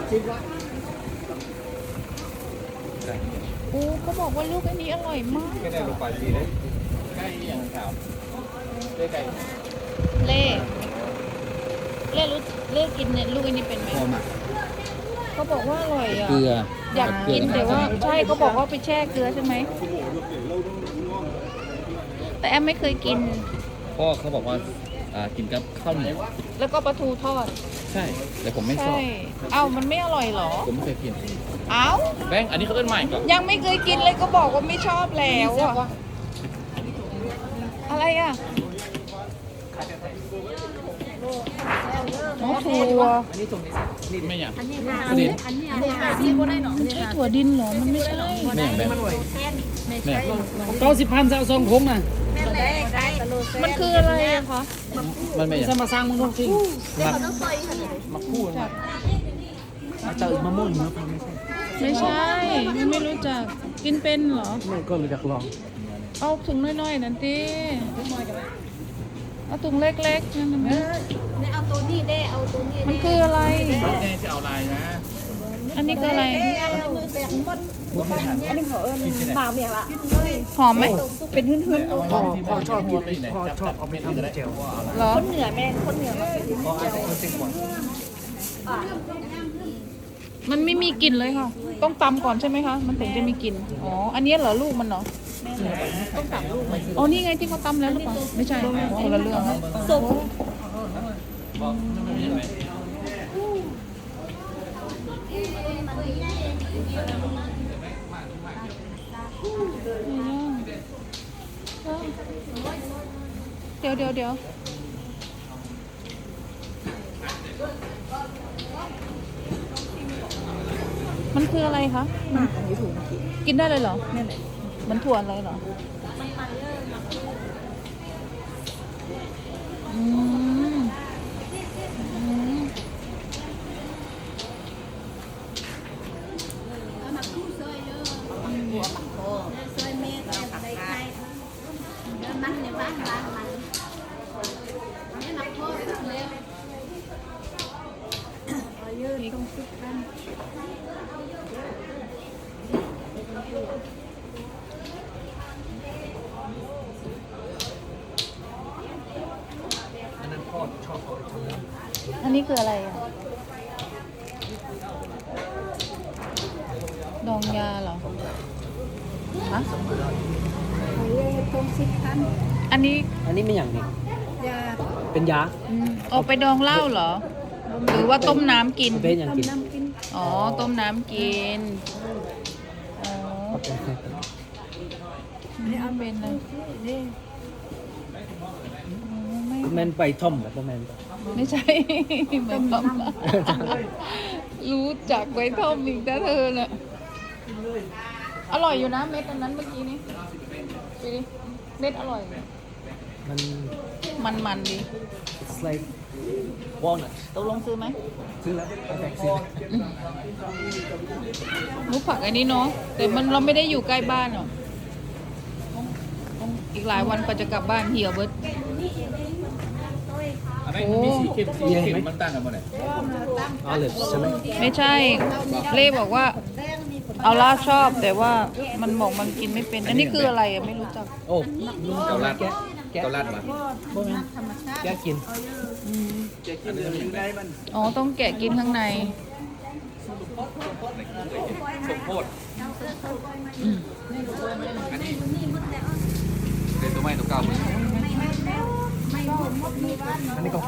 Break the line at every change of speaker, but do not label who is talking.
โอ้เขาบอกว่าลูกอันนี้อร่อยมาก
ก็ได้ลงไปดีเลยใกล้อย่างข่าวได้ไก่
เล่เล่กินเนี่ยลูกอันนี้เป็นไหม
พอมา
เขาบอกว่าอร่อยอ่ะ
เกลือ
อยากกินแต่ว่าใช่เขาบอกว่าไปแช่เกลือใช่ไหมแต่แอมไม่เคยกิน
พ่อเขาบอกว่ากินกับข้าวเหนียว
แล้วก็ปลาทูทอด
ใช่แต่ผมไม่ชอ
ใช่
บ
เอ้ามันไม่อร่อยเหรอ
ผมไม่เคยกิน
เอ้า
แบงค์อันนี้เขาเอิ้นใหม่ก่อน
ยังไม่เคยกินเลยก็บอกว่าไม่ชอบแล้วอะอะไรอ่ะอ๋อถั่ว
ไม่อยาก
อันนี้ที่บ่ได้หนอ
มันใช่ถั่วดินเหรอ มันไม่ใช่
ไม่อยากแบงค์ไม่อยาก
90,000จะเอา2ถุงน่ะ
มันคืออะไรอะคะ
มันไม่อยาก
จะมาสร้างมึงดูสิ
มาพูด
เจอมะม่วงเนาะ
ไม่ใช่ไม่รู้จักกินเป็นเหรอ
ไม่ก็เลยอยากลอง
เอาถุงน้อยๆนั่นติเอาถุงเล็กๆนั่นนะ
เอาตัวนี้ได้เอาตัวนี้
มันคืออะไร
แน่จะเอาลายนะ
อันนี้คืออะไร
บ่าวเมียละ
หอมไหม
เป็นหื้น
พ่อชอบกินพ่อชอบเอาไปทำเจล
เหรอ
คนเหนือแม่คนเหนือ
พ่อเอาคนติ่งก่อน
มันไม่มีกลิ่นเลยค่ะ ต้องตำก่อนใช่ไหมคะ มันถึงจะมีกลิ่น อ๋อ อันนี้เหรอลูกมันเหรอ
ต้องตัดลูกมัน
อ๋อ นี่ไงที่เขาตำแล้วหรือเปล่า ไม่ใช่คนละเรื่องนะ
สุก
เดี๋ยว มันคืออะไรคะ
อยู่ถุงกี่
กินได้เลยเหรอ
นั่นแหละ
มันถั่วอะไรเหรอ อืมอืม
ซอยแม่ก็ใส่ไข่มันในบ้านมันนี่หมักโคตรแล้วเอาเยอะต้องซุกกัน
อันนั้นพ่อชอบเอาไปทำน้ำ
อันนี้คืออะไรอ่ะ ดองยาเหรอ ฮะ
เอาเยอะต้องซิกกัน
อันนี้
อันนี้ไม่อย่างนี้
ยา
เป็นยา
เอาไปดองเหล้าเหรอ หรือว่าต้มน้ำกิน
เป็นอย่างกิน
น้ำกิน
อ๋อ ต้มน้ำกิน อ๋อนี่เอาเป็นเลย
นี่
แมนไปท่อมแบบแมน
ไม่ใช่ เหมือนต้มรู้จักไว้ท่อมอีกนะเธอน่ะ อร่อยอยู่นะเม็ดอันนั้นเมื่อกี้นี้ดูดิเม็ดอร่อย
มัน
ดี
it's like walnut
ตกลงซื้อไหม
ซื้อแล้วเอาแบกซื้อ
รู้ผักอันนี้เนาะ แต่เราไม่ได้อยู่ใกล้บ้านหรอกต้องอีกหลายวันกว่าจะกลับบ้านเหี่ยวเบิด
แบงค์มีสีเข้มสีเข้มมันต่างกันหมดเลย
olives ใช่ไหม
ไม่ใช่ เล่บอกว่า เอาล่าชอบแต่ว่ามันบอกมันกินไม่เป็น อันนี้คืออะไรอะไม่รู้จัก
โอ้
เกาลัดเกาลัดมา
บ่แม่นแกกิน
อ๋อ ต้องแกะกินข้างใน
สมโพธิอันนี้เป็นตัวใหม่ตัวเก่า
อันนี้ก็